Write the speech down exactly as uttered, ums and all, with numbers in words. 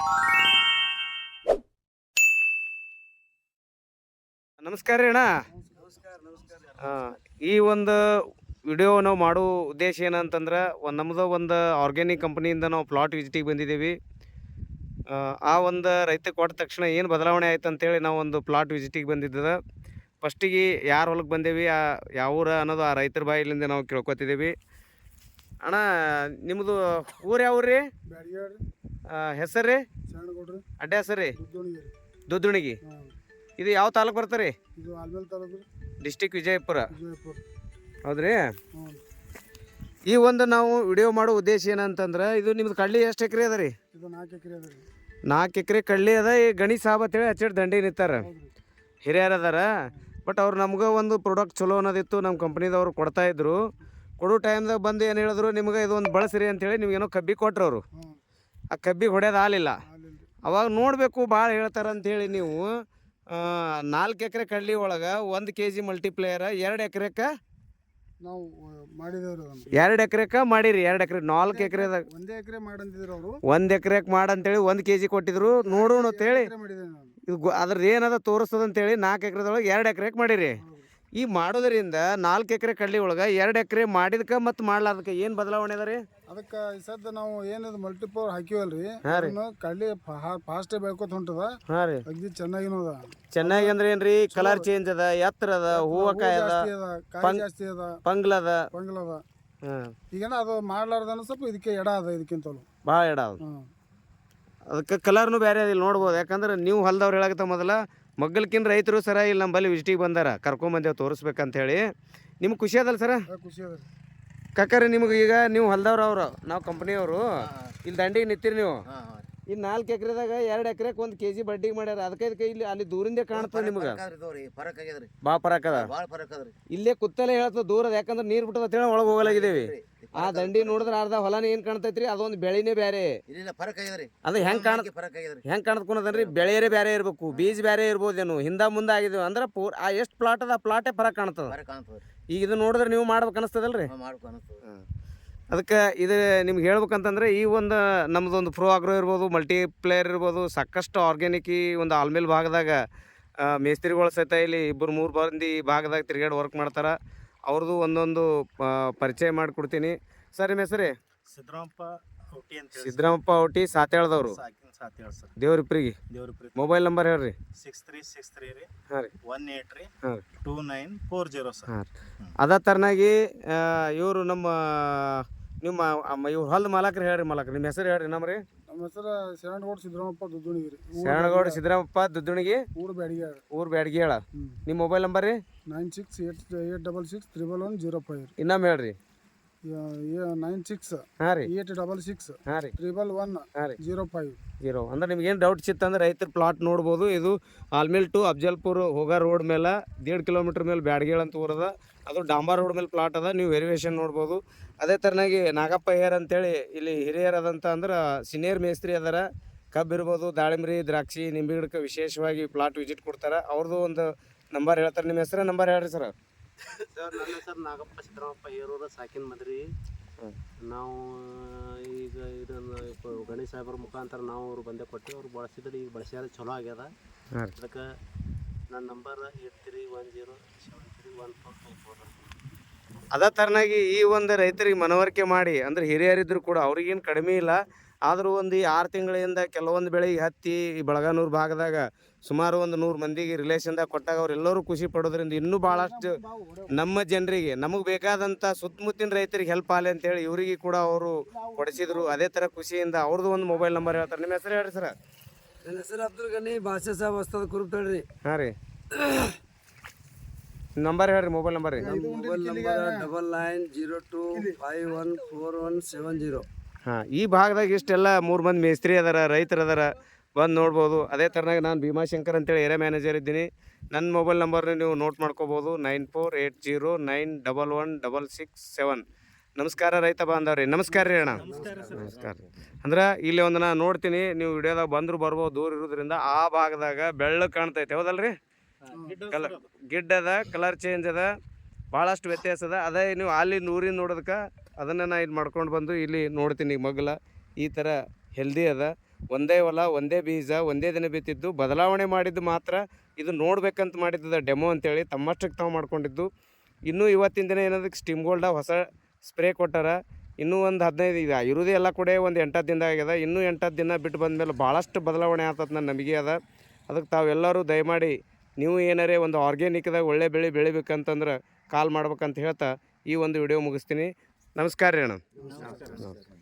ನಮಸ್ಕಾರ ರೀ ಅಣ್ಣ. ಹಾಂ, ಈ ಒಂದು ವಿಡಿಯೋ ನಾವು ಮಾಡೋ ಉದ್ದೇಶ ಏನಂತಂದ್ರೆ ಒಂದು ನಮ್ಮದು ಒಂದು ಆರ್ಗ್ಯಾನಿಕ್ ಕಂಪ್ನಿಯಿಂದ ನಾವು ಪ್ಲಾಟ್ ವಿಸಿಟಿಗೆ ಬಂದಿದ್ದೀವಿ. ಆ ಒಂದು ರೈತ ಕೊಟ್ಟ ತಕ್ಷಣ ಏನು ಬದಲಾವಣೆ ಆಯ್ತು ಅಂತೇಳಿ ನಾವು ಒಂದು ಪ್ಲಾಟ್ ವಿಸಿಟಿಗೆ ಬಂದಿದ್ದದ. ಫಸ್ಟಿಗೆ ಯಾರು ಹೊಲಕ್ಕೆ ಬಂದೇವಿ, ಆ ಯಾವ ಊರ ಅನ್ನೋದು ಆ ರೈತರ ಬಾಯಿಲಿಂದ ನಾವು ಕೇಳ್ಕೊತಿದ್ದೀವಿ. ಅಣ್ಣ, ನಿಮ್ಮದು ಊರು ಯಾವ ಊರು ರೀ? ಹೆಸರು ರೀ? ಅಡ್ಡ ಹೆಸರು ರೀ? ದುದ್ದುಣಿಗಿ. ಇದು ಯಾವ ತಾಲೂಕು ಬರ್ತಾರೆ ರೀ? ಡಿಸ್ಟಿಕ್ ವಿಜಯಪುರ. ಹೌದ್ರಿ. ಈ ಒಂದು ನಾವು ವಿಡಿಯೋ ಮಾಡೋ ಉದ್ದೇಶ ಏನಂತಂದ್ರೆ, ಇದು ನಿಮ್ದು ಕಡ್ಲಿ ಎಷ್ಟು ಎಕರೆ ಅದ ರೀ? ನಾಲ್ಕು ಎಕರೆ ಕಡ್ಲಿ ಅದ. ಈ ಗಣಿ ಸಾಬ್ ಅಂತೇಳಿ ಹಚ್ಚಿಟ್ಟು ದಂಡಿ ನಿಂತಾರ, ಹಿರಿಯರು ಅದಾರ. ಬಟ್ ಅವ್ರು ನಮ್ಗೆ ಒಂದು ಪ್ರಾಡಕ್ಟ್ ಚಲೋ ಅನ್ನೋದಿತ್ತು, ನಮ್ಮ ಕಂಪ್ನಿದವ್ರು ಕೊಡ್ತಾಯಿದ್ರು. ಕೊಡೋ ಟೈಮ್ದಾಗ ಬಂದು ಏನು ಹೇಳಿದ್ರು, ನಿಮ್ಗೆ ಇದು ಒಂದು ಬಳಸ್ರಿ ಅಂತೇಳಿ ನಿಮ್ಗೇನೋ ಕಬ್ಬಿ ಕೊಟ್ರು ಅವರು. ಆ ಕಬ್ಬಿಗೆ ಹೊಡೆಯೋದು ಆಗಲಿಲ್ಲ. ಅವಾಗ ನೋಡಬೇಕು ಭಾಳ ಹೇಳ್ತಾರೆ ಅಂಥೇಳಿ ನೀವು ನಾಲ್ಕು ಎಕರೆ ಕಡ್ಲಿ ಒಳಗೆ ಒಂದು ಕೆ ಜಿ ಮಲ್ಟಿಪ್ಲೇಯರ್ ಎರಡು ಎಕರೆಕ್ಕೆ ನಾವು ಮಾಡಿದೇವ್ರಿ. ಎರಡು ಎಕರೆಕ್ಕೆ ಮಾಡಿರಿ. ಎರಡು ಎಕರೆ ನಾಲ್ಕು ಎಕರೆದಾಗ ಒಂದೇ ಎಕರೆ ಮಾಡಂತಿದ್ರು ಅವರು. ಒಂದು ಎಕರೆಗೆ ಮಾಡಂತೇಳಿ ಒಂದು ಕೆ ಜಿ ಕೊಟ್ಟಿದ್ರು. ನೋಡೋಣ ಅಂತೇಳಿ ಇದು ಅದ್ರದ್ದು ಏನದ ತೋರಿಸ್ತದ ಅಂತೇಳಿ ನಾಲ್ಕು ಎಕರೆದೊಳಗೆ ಎರಡು ಎಕರೆಗೆ ಮಾಡಿರಿ. ಈ ಮಾಡೋದ್ರಿಂದ ನಾಲ್ಕು ಎಕರೆ ಕಡ್ಲಿ ಒಳಗೆ ಎರಡು ಎಕರೆ ಮಾಡಿದಕ್ಕೆ ಮತ್ತು ಮಾಡ್ಲಾರ್ದಕ್ಕೆ ಏನು ಬದಲಾವಣೆ ಅದ ರೀ? ಅದಕ್ಕೆ ಈ ಸದ್ದ ನಾವು ಏನಿದು ಮಲ್ಟಿಪವರ್ ಹಾಕಿವಲ್ರಿ, ಕಡ್ಲಿ ಫಾಸ್ಟ್ ಬೆಳ್ಕೊತ ಹೊಂಟದ. ಹಾಂ ರೀ, ಅಗ್ದಿ ಚೆನ್ನಾಗಿನೂ ಅದ. ಚೆನ್ನಾಗಿ ಅಂದ್ರೆ ಏನ್ರಿ? ಕಲರ್ ಚೇಂಜ್ ಅದ, ಎತ್ತರ ಅದ, ಹೂವಕಾಯಿ ಅದ, ಕಾಯಿ ಜಾಸ್ತಿ ಅದ, ಪಂಗ್ಲ ಅದ. ಪಂಗ್ಲ ಅದ. ಹಾಂ, ಈಗೇನ ಅದು ಮಾಡ್ಲಾರ್ದನ ಸ್ವಲ್ಪ ಇದಕ್ಕೆ ಎಡ ಅದ, ಇದಕ್ಕಿಂತಲೂ ಭಾಳ ಎಡ ಅದ. ಅದಕ್ಕೆ ಕಲರ್ನು ಬೇರೆ ಅದಿಲ್ಲ ನೋಡ್ಬೋದು. ಯಾಕಂದ್ರೆ ನೀವು ಹೊಲ್ದವ್ರು ಹೇಳಕತ್ತ ಮೊದಲ ಮಗ್ಗಲ್ಕಿನ್ ರೈತರು ಸರ ಇಲ್ಲಿ ನಮ್ಮಲ್ಲಿ ವಿಸಿಟಿಗೆ ಬಂದಾರ, ಕರ್ಕೊಂಬಂದೇವು ತೋರಿಸ್ಬೇಕಂತ ಹೇಳಿ. ನಿಮ್ಗೆ ಖುಷಿ ಅದಲ್ಲ ಸರ? ಖುಷಿ ಅದ ಕಾಕರಿ. ನಿಮ್ಗೆ ಈಗ ನೀವು ಹೊಲ್ದವ್ರು ಅವರು, ನಾವು ಕಂಪ್ನಿಯವರು ಇಲ್ಲಿ ದಂಡಿಗೆ ನಿಂತೀರಿ ನೀವು. ಇಲ್ಲಿ ನಾಲ್ಕು ಎಕರೆದಾಗ ಎರಡು ಎಕರೆಗೆ ಒಂದು ಕೆ ಜಿ ಬಡ್ಡಿಗೆ ಮಾಡ್ಯಾರ. ಅದಕ್ಕೆ ಇದಕ್ಕೆ ಇಲ್ಲಿ ಅಲ್ಲಿ ದೂರಿಂದ ಕಾಣ್ತದೆ ನಿಮ್ಗೆ ಭಾಳ ಫರಕ್ ಅದ. ಇಲ್ಲೇ ಕುತ್ತಲೇ ಹೇಳ್ತದೆ ದೂರದ, ಯಾಕಂದ್ರೆ ನೀರು ಬಿಟ್ಟದ ಅಂತೇಳಿ ಒಳಗೆ ಹೋಗಲಾಗಿದ್ದೇವೆ. ಆ ದಂಡಿ ನೋಡಿದ್ರೆ ಅರ್ಧ ಹೊಲನ ಏನ್ ಕಾಣ್ತೈತ್ರಿ, ಅದೊಂದು ಬೆಳೆನೇ ಬೇರೆ. ಅದು ಹೆಂಗ್ ಕಾಣ ಹೆಂಗ್ ಕಾಣತ್ಕೊಂಡ್ರಿ, ಬೆಳೆಯರೇ ಬೇರೆ ಇರ್ಬೇಕು, ಬೀಜ ಬೇರೆ ಇರ್ಬೋದೇನು, ಹಿಂದ ಮುಂದೆ ಆಗಿದ್ವಿ ಅಂದ್ರೆ ಪೂರ್ ಆ ಎಷ್ಟು ಪ್ಲಾಟ್ ಅದ, ಪ್ಲಾಟೇ ಫರಕ್ ಕಾಣ್ತದ. ಈಗ ಇದು ನೋಡಿದ್ರೆ ನೀವು ಮಾಡ್ಬೇಕು ಅನಿಸ್ತದಲ್ರಿ. ಅದಕ್ಕೆ ಇದು ನಿಮ್ಗೆ ಹೇಳ್ಬೇಕಂತಂದ್ರೆ, ಈ ಒಂದು ನಮ್ಮದೊಂದು ಪ್ರೋ ಆಗ್ರೋ ಇರ್ಬೋದು, ಮಲ್ಟಿಪ್ಲೇಯರ್ ಇರ್ಬೋದು, ಸಾಕಷ್ಟು ಆರ್ಗ್ಯಾನಿಕ್ ಈ ಒಂದು ಆಲ್ಮೇಲ್ ಭಾಗದಾಗ ಮೇಸ್ತ್ರಿಗಳು ಸಹಿತ ಇಲ್ಲಿ ಇಬ್ಬರು ಮೂರು ಮಂದಿ ಈ ಭಾಗದಾಗ ತಿರುಗಾಡಿ ವರ್ಕ್ ಮಾಡ್ತಾರೆ. ಅವ್ರದ್ದು ಒಂದೊಂದು ಪರಿಚಯ ಮಾಡಿಕೊಡ್ತೀನಿ. ಸರ್, ನಿಮ್ಮ ಹೆಸರೇ? ಸಿದ್ದರಾಮಪ್ಪ ಔಟಿ ಅಂತ. ಸಿದ್ದರಾಮಪ್ಪ ಔಟಿ, ಸಾತೇಳ್ದವ್ರು, ದೇವ್ರಿಪ್ರಿಗೆ. ಮೊಬೈಲ್ ನಂಬರ್ ಹೇಳ್ರಿ. ಸಿಕ್ಸ್ ತ್ರೀ ಸಿಕ್ಸ್ ತ್ರೀ ರೀ. ಹಾಂ ರೀ. ಒನ್ ಏಟ್ ರೀ. ಹಾಂ, two nine four zero sir. ಹಾಂ, ಅದೇ ಥರನಾಗಿ ಇವರು ನಮ್ಮ ನಿಮ್ಮ ಇವ್ರು ಹೊಲ್ದ ಮಾಲಕ್ರಿ. ಹೇಳ್ರಿ ಮಾಲಕ್ರಿ, ನಿಮ್ಮ ಹೆಸರು ಹೇಳ್ರಿ. ನಮ್ಮ ರೀ ನಮ್ಮ ಹೆಸರು ಶರಣಗೌಡ ಸಿದ್ದರಾಮಪ್ಪ ದುದ್ದುಣಿಗಿ ರೀ. ಶರಣಗೌಡ ಸಿದ್ದರಾಮಪ್ಪ ದುದ್ದುಣಿಗಿ, ಊರು ಬ್ಯಾಡಗಿ. ಊರು ಬ್ಯಾಡಗಿ ಹೇಳ. ನಿಮ್ಮ ಮೊಬೈಲ್ ನಂಬರ್ ರೀ? Nine six eight eight double six triple one zero five. ಇನ್ನೊಮ್ಮೆ ಹೇಳ್ರಿ. ನೈನ್ ಸಿಕ್ಸ್ ಹಾಂ ರೀ ಏಟ್ ಡಬಲ್ ಸಿಕ್ಸ್ ಹಾಂ ರೀ ತ್ರಿಬಲ್ ಒನ್ ಹಾಂ ರೀ ಜೀರೋ ಫೈವ್ ಜೀರೋ. ಅಂದ್ರೆ ನಿಮ್ಗೆ ಏನು ಡೌಟ್ ಸಿತ್ತಂದ್ರೆ ರೈತರ ಪ್ಲಾಟ್ ನೋಡ್ಬೋದು. ಇದು ಆಲ್ಮೇಲ್ ಟು ಅಫ್ಜಲ್ಪುರ್ ಹೋಗೋ ರೋಡ್ ಮೇಲೆ ದೇಡ್ ಕಿಲೋಮೀಟ್ರ್ ಮೇಲೆ ಬ್ಯಾಡಗೇಳ್ ಅಂತ ಊರದ, ಅದು ಡಾಂಬಾರ್ ರೋಡ್ ಮೇಲೆ ಪ್ಲಾಟ್ ಅದ. ನೀವು ವೆರಿವೇಷನ್ ನೋಡ್ಬೋದು. ಅದೇ ಥರನಾಗಿ ನಾಗಪ್ಪ ಹೇರ್ ಅಂತೇಳಿ ಇಲ್ಲಿ ಹಿರಿಯರ್ ಅದಂತ ಅಂದ್ರೆ ಸೀನಿಯರ್ ಮೇಸ್ತ್ರಿ ಅದಾರ. ಕಬ್ಬು ಇರ್ಬೋದು, ದಾಳಿಂಬ್ರಿ, ದ್ರಾಕ್ಷಿ, ನಿಂಬೆ ಗಿಡಕ್ಕೆ ವಿಶೇಷವಾಗಿ ಪ್ಲಾಟ್ ವಿಸಿಟ್ ಕೊಡ್ತಾರೆ. ಅವ್ರದ್ದು ಒಂದು ನಂಬರ್ ಹೇಳ್ತಾರೆ. ನಿಮ್ಮ ಹೆಸರು ನಂಬರ್ ಹೇಳ್ರಿ ಸರ್. ಸರ್, ನನ್ನ ಹೆಸರು ನಾಗಪ್ಪ ಸಿದ್ದರಾಮಪ್ಪ ಹೇರೂರು, ಸಾಕಿನ ಮದ್ರಿ. ನಾವು ಈಗ ಇದನ್ನು ಗಣೇಶ ಸಾಹೇಬ್ರ ಮುಖಾಂತರ ನಾವು ಅವ್ರು ಬಂದೇ ಕೊಟ್ಟು ಅವ್ರು ಬಳಸಿದ್ರೆ ಈಗ ಬಳಸ್ಯಾರ, ಚಲೋ ಆಗ್ಯದ. ಅದಕ್ಕೆ ನನ್ನ number eight three one zero seven three one four two four. ಅದೇ ಥರನಾಗಿ ಈ ಒಂದು ರೈತರಿಗೆ ಮನವರಿಕೆ ಮಾಡಿ, ಅಂದರೆ ಹಿರಿಯರಿದ್ರು ಕೂಡ ಅವ್ರಿಗೇನು ಕಡಿಮೆ ಇಲ್ಲ. ಆದರೂ ಒಂದು ಆರು ತಿಂಗಳಿಂದ ಕೆಲವೊಂದು ಬೆಳೆಗೆ ಹತ್ತಿ ಈ ಬೆಳಗಾನೂರು ಭಾಗದಾಗ ಸುಮಾರು ಒಂದು ನೂರು ಮಂದಿಗೆ ರಿಲೇಷನ್ದಾಗ ಕೊಟ್ಟಾಗ ಅವರೆಲ್ಲರೂ ಖುಷಿ ಪಡೋದ್ರಿಂದ ಇನ್ನೂ ಭಾಳಷ್ಟು ನಮ್ಮ ಜನರಿಗೆ, ನಮಗೆ ಬೇಕಾದಂಥ ಸುತ್ತಮುತ್ತಿನ ರೈತರಿಗೆ ಹೆಲ್ಪ್ ಆಗಲಿ ಅಂತೇಳಿ ಇವರಿಗೆ ಕೂಡ ಅವರು ಕೊಡಿಸಿದ್ರು. ಅದೇ ಥರ ಖುಷಿಯಿಂದ ಅವ್ರದ್ದು ಒಂದು ಮೊಬೈಲ್ ನಂಬರ್ ಹೇಳ್ತಾರೆ. ನಿಮ್ಮ ಹೆಸರು ಹೇಳ್ರಿ ಸರ್. ನನ್ನ ಹೆಸರು ಅಬ್ದುಲ್ ಗನಿ, ಭಾಷೆ ಸಾಬ್ ಹೊಸ್ತದ ಕುರುಪ್ ಹೇಳ್ರಿ. ಹಾಂ ರೀ, ನಂಬರ್ ಹೇಳ್ರಿ, ಮೊಬೈಲ್ ನಂಬರ್ ರೀ. Mobile number double nine zero two five one four one seven zero. ಹಾಂ, ಈ ಭಾಗದಾಗ ಇಷ್ಟೆಲ್ಲ ಮೂರು ಮಂದಿ ಮೇಸ್ತ್ರಿ ಅದಾರ, ರೈತರು ಅದಾರ, ಬಂದು ನೋಡ್ಬೋದು. ಅದೇ ಥರನಾಗಿ ನಾನು ಭೀಮಾಶಂಕರ್ ಅಂತೇಳಿ ಏರಿಯಾ ಮ್ಯಾನೇಜರ್ ಇದ್ದೀನಿ. ನನ್ನ ಮೊಬೈಲ್ ನಂಬರ್ನ ನೀವು ನೋಟ್ ಮಾಡ್ಕೋಬೋದು, nine four eight zero nine double one double six seven. ನಮಸ್ಕಾರ ರೈತ ಬಾಂಧವ್ರಿ. ನಮಸ್ಕಾರ ರೀ ಅಣ್ಣ. ನಮಸ್ಕಾರ ರೀ. ಅಂದ್ರೆ ಇಲ್ಲಿ ಒಂದು ನಾನು ನೋಡ್ತೀನಿ, ನೀವು ವಿಡಿಯೋದಾಗ ಬಂದರೂ ಬರ್ಬೋದು, ದೂರ ಇರೋದ್ರಿಂದ. ಆ ಭಾಗದಾಗ ಬೆಳ್ಳಗೆ ಕಾಣ್ತೈತೆ, ಹೌದಲ್ರಿ? ಕಲರ್ ಗಿಡ್ ಅದ, ಕಲರ್ ಚೇಂಜ್ ಅದ, ಭಾಳಷ್ಟು ವ್ಯತ್ಯಾಸ ಅದ. ಅದೇ ನೀವು ಅಲ್ಲಿ ಊರಿನ ನೋಡೋದಕ್ಕೆ ಅದನ್ನು ನಾನು ಇದು ಮಾಡ್ಕೊಂಡು ಬಂದು ಇಲ್ಲಿ ನೋಡ್ತೀನಿ. ಮಗ್ಲ ಈ ಥರ ಹೆಲ್ದಿ ಅದ. ಒಂದೇ ಹೊಲ ಒಂದೇ ಬೀಜ ಒಂದೇ ದಿನ ಬಿತ್ತಿದ್ದು ಬದಲಾವಣೆ ಮಾಡಿದ್ದು ಮಾತ್ರ ಇದು ನೋಡ್ಬೇಕಂತ ಮಾಡಿದ್ದದ ಡೆಮೋ ಅಂತೇಳಿ ತಮ್ಮಷ್ಟಕ್ಕೆ ತಾವು ಮಾಡ್ಕೊಂಡಿದ್ದು. ಇನ್ನೂ ಇವತ್ತಿನ ದಿನ ಏನದಕ್ಕೆ ಸ್ಟೀಮ್ ಗೋಲ್ಡ ಹೊಸ ಸ್ಪ್ರೇ ಕೊಟ್ಟಾರ. ಇನ್ನೂ ಒಂದು ಹದಿನೈದು ಈಗ ಇರೋದೇ ಎಲ್ಲ ಕೂಡ ಒಂದು ಎಂಟತ್ತು ದಿನ ಆಗ್ಯದ. ಇನ್ನೂ ಎಂಟತ್ತು ದಿನ ಬಿಟ್ಟು ಬಂದಮೇಲೆ ಭಾಳಷ್ಟು ಬದಲಾವಣೆ ಆಗ್ತದೆ ನನ್ನ ನಂಬಿಕೆ ಅದ. ಅದಕ್ಕೆ ತಾವೆಲ್ಲರೂ ದಯಮಾಡಿ ನೀವು ಏನಾರೇ ಒಂದು ಆರ್ಗ್ಯಾನಿಕ್ದಾಗ ಒಳ್ಳೆ ಬೆಳೆ ಬೆಳಿಬೇಕಂತಂದ್ರೆ ಕಾಲ್ ಮಾಡ್ಬೇಕಂತ ಹೇಳ್ತಾ ಈ ಒಂದು ವಿಡಿಯೋ ಮುಗಿಸ್ತೀನಿ. ನಮಸ್ಕಾರ ರೀ ಅಣ್ಣ.